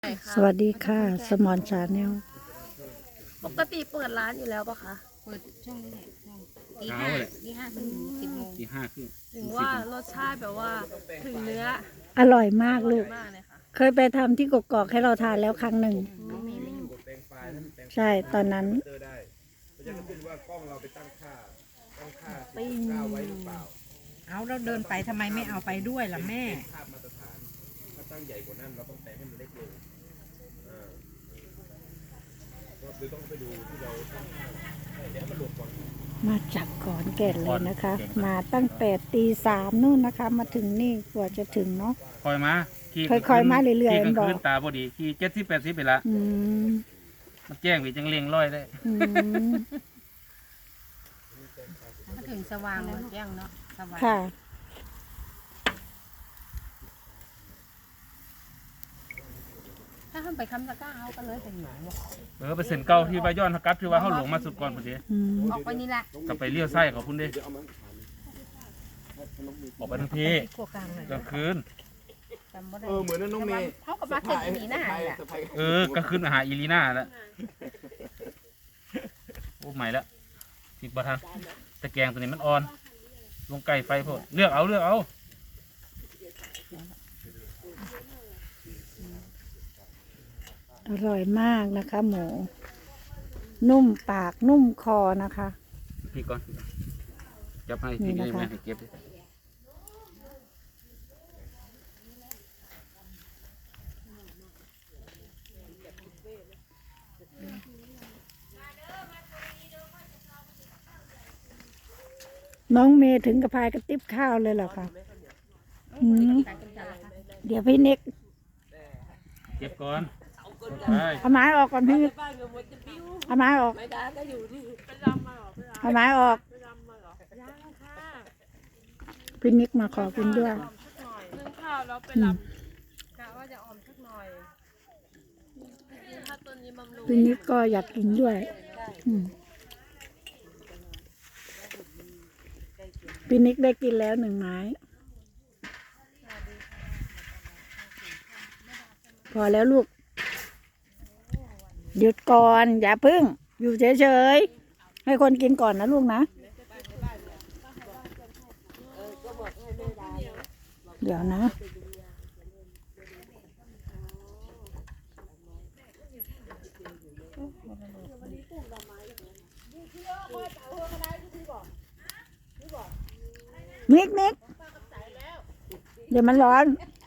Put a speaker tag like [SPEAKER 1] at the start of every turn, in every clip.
[SPEAKER 1] สวัสดีค่ะ สมอนชาแนล
[SPEAKER 2] ปกติเปิดร้านอยู่แล้วปะคะ
[SPEAKER 3] เปิดช่วงนี้แหละตีห้าถึง10 โมง
[SPEAKER 4] ตี 5 ครึ่ง
[SPEAKER 2] ถึงว่ารสชาติแบบว่าถึงเนื้อ
[SPEAKER 1] อร่อยมากลูก
[SPEAKER 2] มากเลยค่ะ
[SPEAKER 1] เคยไปทำที่กกอกให้เราทานแล้วครั้งหนึ่ง
[SPEAKER 3] น้องเมย์ไม่อยู่
[SPEAKER 1] ใช่ตอนนั้น
[SPEAKER 3] เอาเราเดินไปทำไมไม่เอาไปด้วยล่ะแม่
[SPEAKER 1] มาจากขอนแก่นเลยนะคะ มาตั้งแต่ตี 3นู่นนะคะ มาถึงนี่กว่าจะถึงเนาะ
[SPEAKER 4] คอยมาขี่
[SPEAKER 1] ค่อยๆมาเรื่อยๆ
[SPEAKER 4] ขี่กลาง
[SPEAKER 1] บอก
[SPEAKER 4] คืนตาพอดีขี่70-80ไปละ
[SPEAKER 1] อืม
[SPEAKER 4] มันแจ้งไปจังเลียงร้อยได้
[SPEAKER 1] อืม
[SPEAKER 3] ถ้าถึงสว่างเลยแจ้งเนาะสว่าง
[SPEAKER 1] ค่ะ
[SPEAKER 3] ถ้าทำไปคำตะกร้าเอากันเลยเป็นหนู
[SPEAKER 4] ไปเซ็นเก่าที่ว่าย้อนกลับที่ว่าเขาหลงมาสุดก่อนพอดี
[SPEAKER 1] อืม
[SPEAKER 3] ออกไปนี่แหละ
[SPEAKER 4] กลับไปเลี้ยวไส้เขาพุ่นเด้ออกไปทั้งที
[SPEAKER 3] ขวกลางเลย
[SPEAKER 4] กลางคืน
[SPEAKER 3] จำบ่ได้
[SPEAKER 5] เหมือนน้องเมย์
[SPEAKER 3] เขากับมาเกิดที่นี่หน้าแหละ
[SPEAKER 4] กลางคืนมาหาอีลีน่าแล้วโอ้ใหม่แล้วติดบัทันตะแกรงตัวนี้มันอ่อน ลงไก่ไฟพอเลือกเอา
[SPEAKER 1] อร่อยมากนะคะ หมู นุ่มปากนุ่มคอนะคะ
[SPEAKER 4] พี่ก่อนจับให้
[SPEAKER 1] นี่
[SPEAKER 4] พี่
[SPEAKER 1] นะคะ
[SPEAKER 4] แม่ให้เก็บดิ
[SPEAKER 1] น้องเมย์ถึงกับพายกระติบข้าวเลยเหรอคะอืมเดี๋ยวพี่นิก
[SPEAKER 4] เก็บก่อนไป
[SPEAKER 1] เอาไม้ออกก่อนพี่เอาไม้ออกเอาไม้ออกพี่นิกมาขอกินด้วย
[SPEAKER 2] นึ่งข้าวแล้วไปลำกะว่าจะออมสักหน่อยถ้าตัวนี้บำรุง
[SPEAKER 1] พี่นิกก็อยากกินด้วยอืมพี่นิกได้กินแล้ว1 ไม้ พอแล้วลูก หยุดก่อน อย่าพึ่ง อยู่เฉยๆ ให้คนกินก่อนนะลูกนะ เดี๋ยวนะ นิกเดี๋ยวมันร้อน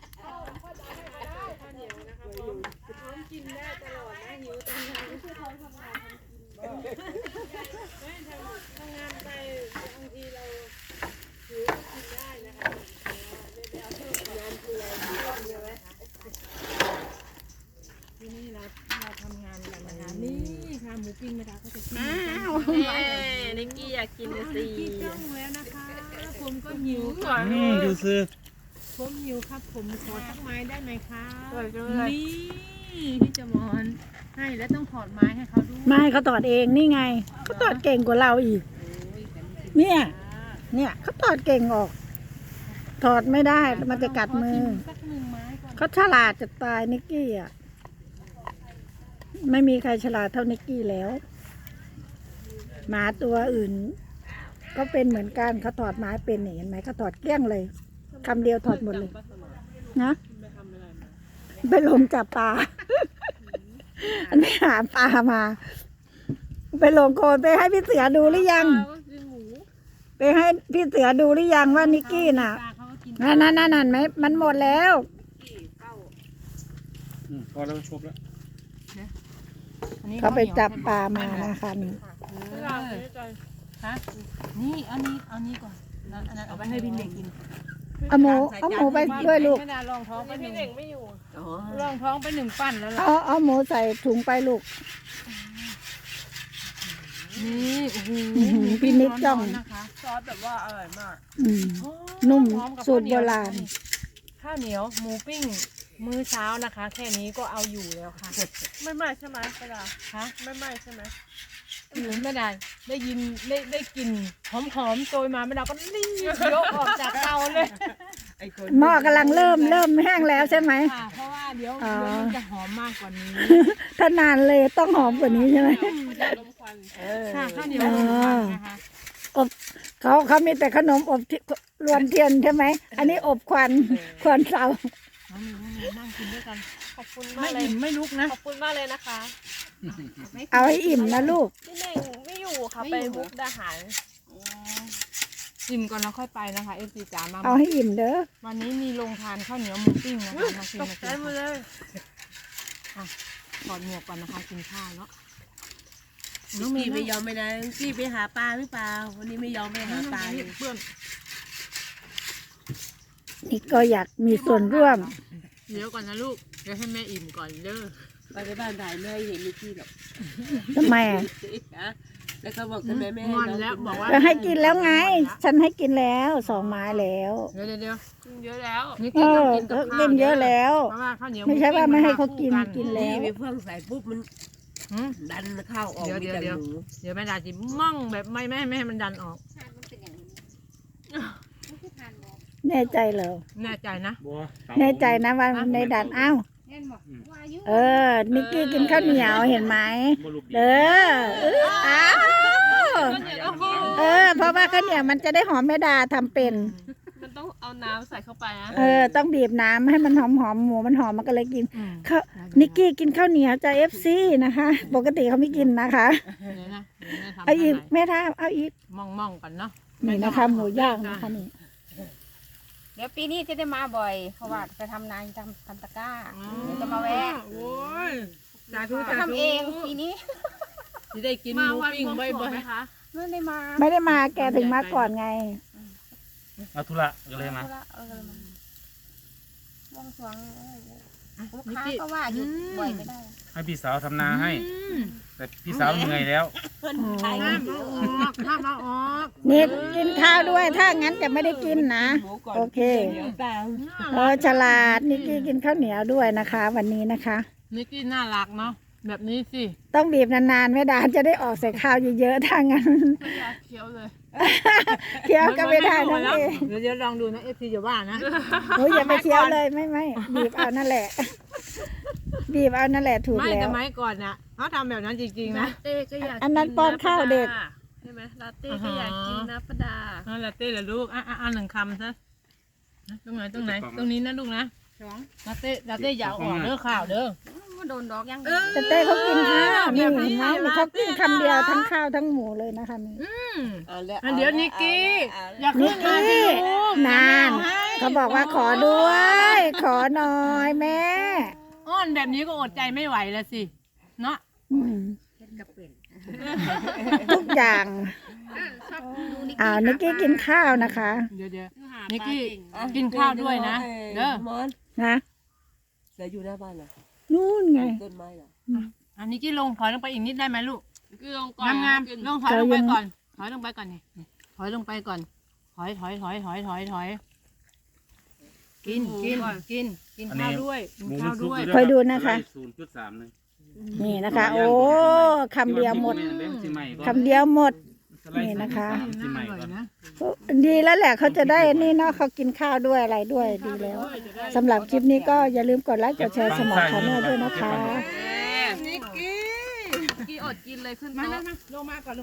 [SPEAKER 3] นี่ค่ะหมูปิ้งไม่ได้ก็จะกิน
[SPEAKER 2] นิกกี้อยากกินเลยสิ
[SPEAKER 3] จ้องแล้วนะคะ ผมก็หิว
[SPEAKER 4] ดูซื้อ
[SPEAKER 3] ผมหิวครับ ผมขอสักไม้ได้ไหมคะ
[SPEAKER 2] สวยจังเลย
[SPEAKER 3] นี่พี่จมอนให้แล้วต้องถอดไม้ให้เขาด้วย
[SPEAKER 1] ไม่เขาตอดเองนี่ไงเขาตอดเก่งกว่าเราอีก เนี่ยเขาตอดเก่งออก ถอดไม่ได้มันจะกัดมือ
[SPEAKER 3] สัก1 ไม้ก่อน
[SPEAKER 1] เขาฉลาดจะตายนิกกี้อ่ะ ไม่มีใครฉลาดเท่านิกกี้แล้ว หมาตัวอื่น ก็เป็นเหมือนกันเขาถอดไม้เป็นเห็นไหมเขาถอดเกลี้ยงเลยคำเดียวถอดหมดเลยนะไปลงจับปลา อันนี้หาปลามา ไปลงโคลนไปให้พี่เสือดูหรือยัง ไปให้พี่เสือดูหรือยังว่านิกกี้น่ะ
[SPEAKER 3] ปลาเขาก็กิน
[SPEAKER 1] นั่นไหมมันหมดแล้ว
[SPEAKER 4] พอแล้วชบแล้ว
[SPEAKER 3] อันนี้
[SPEAKER 1] เขาไปจับปลามานะคะนี่
[SPEAKER 3] ฮะนี่เอานี้ก่อนแล้วอันนั้นเอาไปให้พี่เด็กกิน
[SPEAKER 1] เอาหมูไปด้วยลูก
[SPEAKER 3] ไม่ได้ลองท้องไป
[SPEAKER 2] พี่
[SPEAKER 3] 1
[SPEAKER 2] เด็กไม่อยู่
[SPEAKER 3] ลองท้องไป1 ปั้นแล้วล่ะ
[SPEAKER 1] เอาหมูใส่ถุงไปลูก
[SPEAKER 3] นี่โอ้โห
[SPEAKER 1] พี่นิดจ้อง
[SPEAKER 3] นะคะ
[SPEAKER 2] ซอสแบบว่าอร่อยมาก
[SPEAKER 1] อืม นุ่ม
[SPEAKER 3] พร้อกับ
[SPEAKER 1] สูตรโบราณ
[SPEAKER 3] ข้าวเหนียวหมูปิ้งมื้อเช้านะคะ แค่นี้ก็เอาอยู่แล้วค่ะ
[SPEAKER 2] ไม่ไหม้ใช่ไหมปลา
[SPEAKER 3] ฮะ
[SPEAKER 2] ไม่ไหม้ใช่ไหม
[SPEAKER 3] ไม่ได้ได้ยินได้กลิ่นหอมๆโชยมาไม่ได้ก็รีบยกออกจากเตาเลย
[SPEAKER 5] ไอ
[SPEAKER 1] หม้อกำลังเริ่มแห้งแล้วใช่ไหม
[SPEAKER 3] ค่ะเพราะว่าเดี๋ยว
[SPEAKER 1] อ๋อ
[SPEAKER 3] มันจะหอมมากกว่านี้
[SPEAKER 1] ถ้านานเลยต้องหอมกว่านี้ใช่ไหม
[SPEAKER 2] ลมควัน
[SPEAKER 3] ค่ะข้าวเหนียวหมูพันนะคะ
[SPEAKER 1] อบเขามีแต่ขนมอบที่รวนเทียนใช่ไหมอันนี้อบควันเตา
[SPEAKER 3] น้องมีนั่งกินด้วยกัน
[SPEAKER 2] ขอบคุณ
[SPEAKER 3] ไม่
[SPEAKER 2] มากเลย
[SPEAKER 3] อิ่มไม่ลุกนะ
[SPEAKER 2] ขอบคุณมากเลยนะคะ
[SPEAKER 1] เอาให้อิ่มนะลูก
[SPEAKER 2] พี่เน่งไม่อยู่ค่ะไปมุกดาหาร
[SPEAKER 3] อิ่มก่อนแล้วค่อยไปนะคะเอฟซีจ๋ามา
[SPEAKER 1] เอาให้อิ่มเด้อ
[SPEAKER 3] วันนี้มีโรงทานข้าวเหนียวหมูปิ้งนะคะมากิน
[SPEAKER 2] ตก
[SPEAKER 3] มา
[SPEAKER 2] ใจ
[SPEAKER 3] กิน
[SPEAKER 2] หมดเลย
[SPEAKER 3] ถอดหมวกก่อนนะคะกินข้าวเนาะ
[SPEAKER 5] น้องพี่ไม่ยอมไปนะพี่ไปหาปลาหรือเปล่าวันนี้ไม่ยอมไปหาปลาเลย
[SPEAKER 3] เพื่อน
[SPEAKER 1] นี่ก็อยากมีส่วนร่วม
[SPEAKER 3] เดี๋ยวก่อนนะลูกเดี๋ยวให้แม่อิ่มก่อนเด้อ
[SPEAKER 5] ไปในบ้านถ่ายไม่ให้เห็นนิกกี้หรอก
[SPEAKER 1] ทำไมอ่ะ
[SPEAKER 5] ฮะแล้วเขาบอกทำไมไม่ให้
[SPEAKER 3] งอน
[SPEAKER 5] น้อง
[SPEAKER 3] แล้ว
[SPEAKER 5] กิน
[SPEAKER 3] บอกว่า
[SPEAKER 1] ก็ให้กินแล้วไง ฉันให้กินแล้ว2 ไม้แล้ว
[SPEAKER 3] เดี๋ยว
[SPEAKER 2] กินเยอะแล้ว
[SPEAKER 3] นี่
[SPEAKER 1] เอ
[SPEAKER 3] กิน
[SPEAKER 1] อ
[SPEAKER 3] ต้องกินกับข้าว
[SPEAKER 1] กินเยอะแล้ว
[SPEAKER 3] เพราะว่าข้าวเหนียว
[SPEAKER 1] ไม่ใช่ว่าไม่ให้เขากิน
[SPEAKER 3] มั
[SPEAKER 1] กิน
[SPEAKER 3] คู่
[SPEAKER 1] แล้ว
[SPEAKER 5] นี่ไปเฟื่องใส่ปุ๊บมัน
[SPEAKER 3] หืม
[SPEAKER 5] ดันเข้าออกมีแต่หนู
[SPEAKER 3] เดี๋ยวแม่ดาจิมั่งแบบไม่ให้มันดันออก
[SPEAKER 1] แน่ใจเหรอ
[SPEAKER 3] แน่ใจนะ
[SPEAKER 4] บัวเตา
[SPEAKER 1] แน่ใจนะว่าในดันอ้าวเออ นิกกี้กินข้าวเหนียวเห็นไหม
[SPEAKER 4] บ่ลูกดี
[SPEAKER 1] เอออ้าวเออ เพราะว่าข้าวเหนียวมันจะได้หอมแม่ดาทำเป็น
[SPEAKER 2] มันต้องเอาน้ำใส่เข้าไปนะ
[SPEAKER 1] เออ ต้องบีบน้ำให้มันหอมหมูมันหอมมันก็เลยกิน
[SPEAKER 3] อืม
[SPEAKER 1] ข้าวนิกกี้กินข้าวเหนียวจาก FC นะคะ ปกติเขาไม่กินนะคะ
[SPEAKER 3] เดี๋ยวนะเดี๋ยวแม่ทำ
[SPEAKER 1] เอาอีก
[SPEAKER 3] ให้
[SPEAKER 1] แม่ท่าเอาอีก
[SPEAKER 3] ม่องกันเนาะ
[SPEAKER 1] นี่นะคะ หมูย่างนะคะนี่
[SPEAKER 6] เดี๋ยวปีนี้จะได้มาบ่อย เพราะว่าจะทำนาทำตะกร้า เดี๋ยวจะมาแวะ
[SPEAKER 3] โอ้ยสาธุ
[SPEAKER 6] จะทำเองปีนี้
[SPEAKER 3] จะได้กินห
[SPEAKER 2] มา
[SPEAKER 3] มู
[SPEAKER 2] วัน
[SPEAKER 3] ปิ้ง
[SPEAKER 2] บวง
[SPEAKER 3] บ่
[SPEAKER 2] สรว
[SPEAKER 3] อง ย
[SPEAKER 2] ไหมคะ
[SPEAKER 6] ไม่ได้มา
[SPEAKER 1] ไม่ได้มาแกถึงมาก่อนไง
[SPEAKER 4] เอาธุระก็เลยมา
[SPEAKER 6] เออมาบวงสรวงลูก
[SPEAKER 3] ๆ
[SPEAKER 6] ค้าก็ว่าหยุดบ่อยไม่ได้
[SPEAKER 4] ให้พี่สาวทำนาให้
[SPEAKER 3] อืม
[SPEAKER 4] แต่พี่สาวเหนื่อยแล้ว
[SPEAKER 5] ถ่าย
[SPEAKER 3] ห้ามเอาออกห้ามเอาออก
[SPEAKER 1] นี่กินข้าวด้วย ถ้างั้นจะไม่ได้กินนะ
[SPEAKER 5] หมูก่อน
[SPEAKER 1] โอเค
[SPEAKER 5] เดี๋ยวตาม
[SPEAKER 1] ฉลาดนิกกี้กินข้าวเหนียวด้วยนะคะ วันนี้นะคะ
[SPEAKER 3] นิกกี้น่ารักเนาะแบบนี้สิ
[SPEAKER 1] ต้องบีบนานๆแม่ดาจะได้ออกใส่ข้าวเยอะๆถ้างั้น
[SPEAKER 2] ไม่อยากเคี้ยวเลย
[SPEAKER 1] เคี้ยวก็ไม่ได้น้องเอ
[SPEAKER 3] เดี๋ยวลองดูนะเอฟซีจะว่านะ
[SPEAKER 1] โอ้ยอย่าไปเคี้ยวเลยไม่บีบเอานั่นแหละ บีบเอานั่นแหละถูก
[SPEAKER 3] ไม่
[SPEAKER 1] แล้
[SPEAKER 3] แต่
[SPEAKER 1] ว
[SPEAKER 3] ไม้ก่อนน่ะเขาทำแบบนั้นจริงๆนะ
[SPEAKER 2] เต้ก็อยาก
[SPEAKER 1] อันนั้นป้อนข้าวเด็ก
[SPEAKER 2] ใช่ไหมลาเต้ก็อยากกินนะป้าดา
[SPEAKER 3] นั่นแหละเต้เหรอลูกอ่ะหนึ่งคำซะตรงไหนตรงนี้นะลูกนะลาเต้อย่าเอาออกเด้อข่าวเด้อ
[SPEAKER 6] โดนดอกยัง
[SPEAKER 1] แต่เต้เขากินข้าวนี่เห็นไหมนี่เขากินคำเดียวทั้งข้าวทั้งหมูเลยนะคะนี่
[SPEAKER 5] เอาแล้ว
[SPEAKER 3] เดี๋ยวนิกกี้ อยาก
[SPEAKER 1] นิ
[SPEAKER 3] ขึ้
[SPEAKER 1] ก
[SPEAKER 3] นมาสิ
[SPEAKER 1] กี้
[SPEAKER 3] ลูก
[SPEAKER 1] นานเขาบอกว่าขอด้วย ขอหน่อยแม่
[SPEAKER 3] อ้อนแบบนี้ก็อดใจไม่ไหวแล้วสิเนาะ
[SPEAKER 1] อืมทุกอย่างนิกกี้กินข้าวนะคะ
[SPEAKER 3] เดี๋ยวนิกกี้กินข้าวด้วยนะเด้อ
[SPEAKER 5] มอน
[SPEAKER 1] นะ
[SPEAKER 5] เสืออยู่หน้าบ้านเหรอ
[SPEAKER 1] นู่นไง
[SPEAKER 5] ต้นไม้เหรอ
[SPEAKER 3] อันนิกกี้ลงถอยลงไปอีกนิดได้ไหมลูก
[SPEAKER 2] คือลงก่อน
[SPEAKER 3] งาม
[SPEAKER 2] กิน
[SPEAKER 3] ๆลงถอยลงไปก่อนถอยลงไปก่อนนี่ถอยลงไปก่อนถอยกินข้าวด้วยกิน
[SPEAKER 4] หมู
[SPEAKER 3] ข้า
[SPEAKER 4] มั
[SPEAKER 3] วน
[SPEAKER 4] สุก
[SPEAKER 3] ด้วย
[SPEAKER 4] อยู่
[SPEAKER 1] คอยดูนะคะ
[SPEAKER 4] 0.3นึง
[SPEAKER 1] นี่นะคะ โอ้คำเดียวหมด
[SPEAKER 4] สิใหม่ก่อน
[SPEAKER 1] คำเดียวหมด
[SPEAKER 4] สไลด์
[SPEAKER 1] นี่นะคะ
[SPEAKER 4] สิใหม่ก่อน
[SPEAKER 3] นะ
[SPEAKER 1] ดีแล้วแหละเขาจะได้นี่เนาะเขากินข้าวด้วยอะไรด้วยดีแล้วสำหรับคลิปนี้ก็อย่าลืมกดไลค์กดแชร์สมองชาแนลด้วยนะคะ
[SPEAKER 3] นิกกี้
[SPEAKER 2] กี่อดกินเลยขึ้น
[SPEAKER 3] มา
[SPEAKER 2] โต๊ะ
[SPEAKER 3] ลงมาก่อน